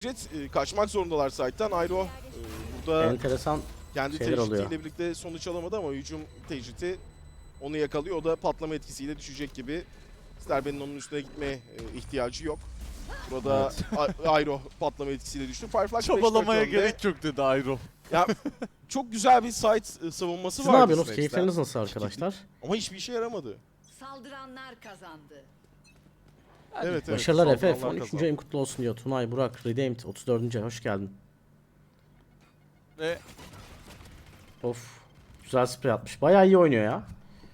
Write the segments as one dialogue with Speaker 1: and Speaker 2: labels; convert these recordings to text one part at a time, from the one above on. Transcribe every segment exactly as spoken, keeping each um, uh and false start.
Speaker 1: Jet e, kaçmak zorundalar site'tan. Ayro e, burada
Speaker 2: Enteresan
Speaker 1: kendi
Speaker 2: şeyler oluyor.
Speaker 1: tecritiyle birlikte sonuç alamadı ama hücum tecriti onu yakalıyor. O da patlama etkisiyle düşecek gibi. Sterben'in onun üstüne gitme e, ihtiyacı yok. Burada A- Ayro patlama etkisiyle düştü. Firefly
Speaker 3: Çabalamaya
Speaker 1: beş dört önde.
Speaker 3: gerek yok dedi Ayro.
Speaker 1: Ya çok güzel bir site e, savunması
Speaker 2: Siz
Speaker 1: var.
Speaker 2: ne yapıyorsunuz? Keyifleriniz nasıl arkadaşlar?
Speaker 1: Ama hiçbir işe yaramadı.
Speaker 4: Saldıranlar kazandı.
Speaker 1: Evet, evet.
Speaker 2: Başarılar Efe.
Speaker 1: saldıranlar
Speaker 2: on üçüncü
Speaker 1: kazandı.
Speaker 2: ayın kutlu olsun diyor. Tunay, Burak, Redeemed otuz dördüncü ay hoş geldin.
Speaker 3: Ve
Speaker 2: Of. Güzel sprey atmış. Bayağı iyi oynuyor ya.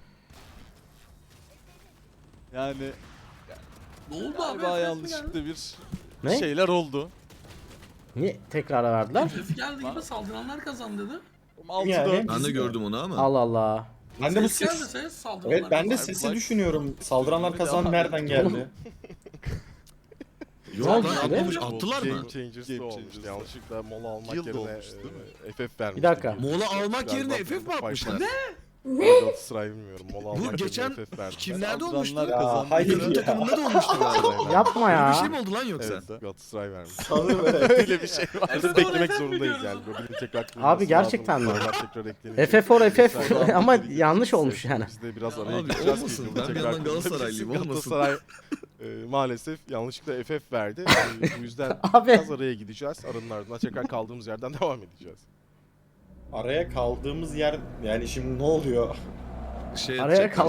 Speaker 3: yani
Speaker 5: Ne oldu abi?
Speaker 3: galiba
Speaker 5: F F mi
Speaker 3: yanlışlıkla bir
Speaker 2: Ne?
Speaker 3: şeyler oldu.
Speaker 2: Niye tekrara verdiler?
Speaker 5: geldi? F F geldi gibi saldıranlar kazandı dedi.
Speaker 3: altı
Speaker 6: Yani
Speaker 3: dört.
Speaker 6: ben de gördüm onu ama.
Speaker 2: Allah Allah.
Speaker 6: Ben de bu
Speaker 5: Ses geldi
Speaker 6: ses...
Speaker 5: ses saldıranlar
Speaker 6: Evet ben de
Speaker 5: kazandı.
Speaker 6: sesi düşünüyorum. Saldıranlar kazan nereden geldi?
Speaker 2: Ne oldu
Speaker 6: Yok lan
Speaker 2: şimdi?
Speaker 6: atmamış attılar mı?
Speaker 1: Game Changers'da
Speaker 3: Game
Speaker 1: olmuş.
Speaker 3: Changers'da.
Speaker 1: Yanlışlıkla mola almak
Speaker 3: Guild
Speaker 1: yerine
Speaker 3: olmuş, değil mi?
Speaker 1: e, F F vermiş.
Speaker 2: Bir dakika.
Speaker 6: Mola almak yerine F F mi atmışlar?
Speaker 1: Galatasaray bilmiyorum. Mola almak
Speaker 6: Bu
Speaker 1: yerine
Speaker 6: geçen
Speaker 1: F F vermiş.
Speaker 6: kimlerde
Speaker 3: Saldıranlar
Speaker 6: olmuştu?
Speaker 3: kazandı.
Speaker 6: Hayır
Speaker 3: Hayır
Speaker 6: ya. takımında da olmuştu galiba.
Speaker 2: Yapma
Speaker 6: Öyle
Speaker 2: ya.
Speaker 6: bir şey mi oldu lan yoksa?
Speaker 1: Evet, Galatasaray vermiş.
Speaker 6: Sanırım evet.
Speaker 1: Öyle bir şey var.
Speaker 5: F F
Speaker 1: Beklemek
Speaker 5: F F
Speaker 1: zorundayız
Speaker 5: biliyoruz
Speaker 1: yani.
Speaker 5: ama.
Speaker 1: Böyle tekrar
Speaker 2: Abi gerçekten mi?
Speaker 1: Tekrar eklenecek.
Speaker 2: F F for F F
Speaker 1: Galatasaray-
Speaker 2: ama yanlış olmuş yani.
Speaker 1: Biz de biraz
Speaker 6: Ya
Speaker 1: araya
Speaker 6: abi
Speaker 1: gireceğiz.
Speaker 6: olmasın.
Speaker 1: ki
Speaker 6: Ben bir
Speaker 1: tekrar
Speaker 6: yandan Galatasaraylıyım, olmasın.
Speaker 1: Galatasaray e, maalesef yanlışlıkla F F verdi. E, bu yüzden
Speaker 2: Abi.
Speaker 1: biraz araya gideceğiz. Aranın ardından tekrar kaldığımız yerden devam edeceğiz.
Speaker 7: Araya kaldığımız yer yani şimdi ne oluyor?
Speaker 6: Şey
Speaker 2: Araya
Speaker 6: yapacaklar